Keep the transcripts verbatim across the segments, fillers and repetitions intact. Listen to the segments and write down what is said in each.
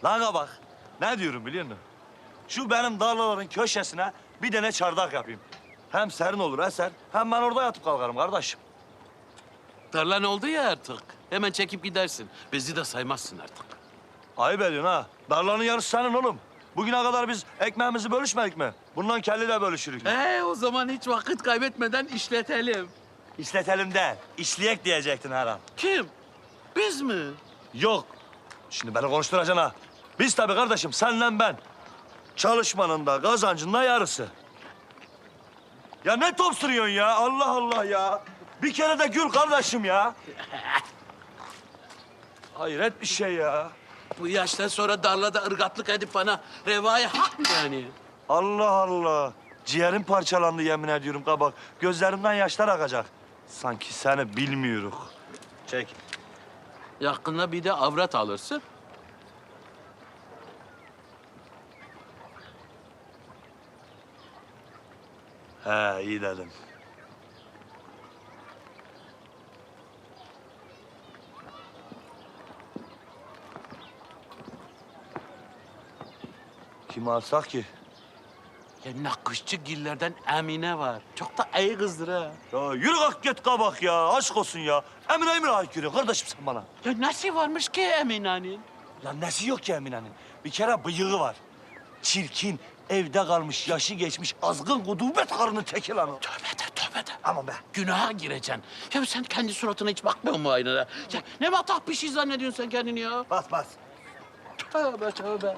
Kanka bak, ne diyorum biliyor musun? Şu benim darlaların köşesine bir tane çardak yapayım. Hem serin olur eser, hem ben orada yatıp kalkarım kardeşim. Tarlan oldu ya artık. Hemen çekip gidersin. Bizi de saymazsın artık. Ayıp ediyorsun ha. Darlanın yarısı senin oğlum. Bugüne kadar biz ekmeğimizi bölüşmedik mi? Bundan kelli de bölüşürük. Ee, o zaman hiç vakit kaybetmeden işletelim. İşletelim de, işleyek diyecektin her an. Kim? Biz mi? Yok. Şimdi beni konuşturacaksın ha. Biz tabii kardeşim, senle ben. Çalışmanın da kazancın da yarısı. Ya ne top sürüyorsun ya? Allah Allah ya. Bir kere de gül kardeşim ya. Hayret bir şey ya. Bu yaştan sonra darlada ırgatlık edip bana revaya hak mı yani? Allah Allah. Ciğerim parçalandı yemin ediyorum kabak. Gözlerimden yaşlar akacak. Sanki seni bilmiyoruz. Çek. Yakında bir de avrat alırsın. He iyi dedim. Kimi alsak ki? Ya nakışçı gillerden Emine var. Çok da iyi kızdır ha. Ya yürü kalk git kabak ya. Aşk olsun ya. Emine Emine haykırıyor kardeşim sen bana. Ya nasıl varmış ki Emine'nin? Lan nesi yok ki Emine'nin? Bir kere bıyığı var. Çirkin, evde kalmış, yaşı geçmiş, azgın gudubet karının teki lan o. Tövbe de tövbe de. Aman be. Günaha gireceksin. Ya sen kendi suratına hiç bakmıyor musun aynada? Ya ne matah bir şey zannediyorsun sen kendini ya? Bas bas. Tövbe tövbe.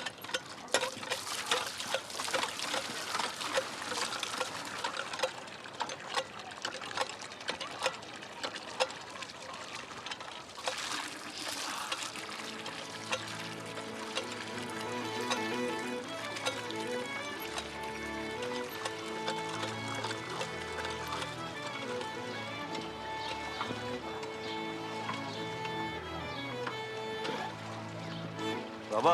Baba.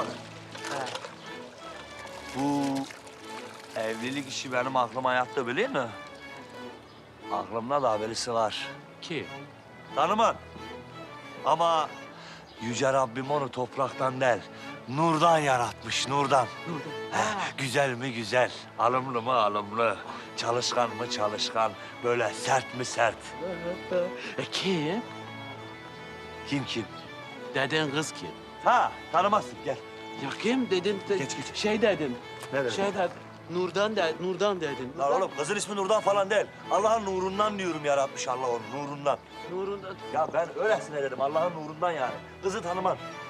Bu evlilik işi benim aklıma yattı biliyor musun? Aklımda da haberisi var. Kim? Tanımam. Ama Yüce Rabbim onu topraktan değil, nurdan yaratmış, nurdan. Heh, güzel mi güzel, alımlı mı alımlı, çalışkan mı çalışkan, böyle sert mi sert. E kim? Kim kim? Deden kız kim? Ha, tanımazsın, gel. Ya kim dedin? De, Geç, geç. Şey dedin. Ne dedin? Şey dedin. Nurdan de, Nurdan dedin. Lan oğlum, kızın ismi Nurdan falan değil. Allah'ın nurundan diyorum yaratmış Allah onu, nurundan. Nurundan. Ya ben öylesine dedim, Allah'ın nurundan yani. Kızı tanımam.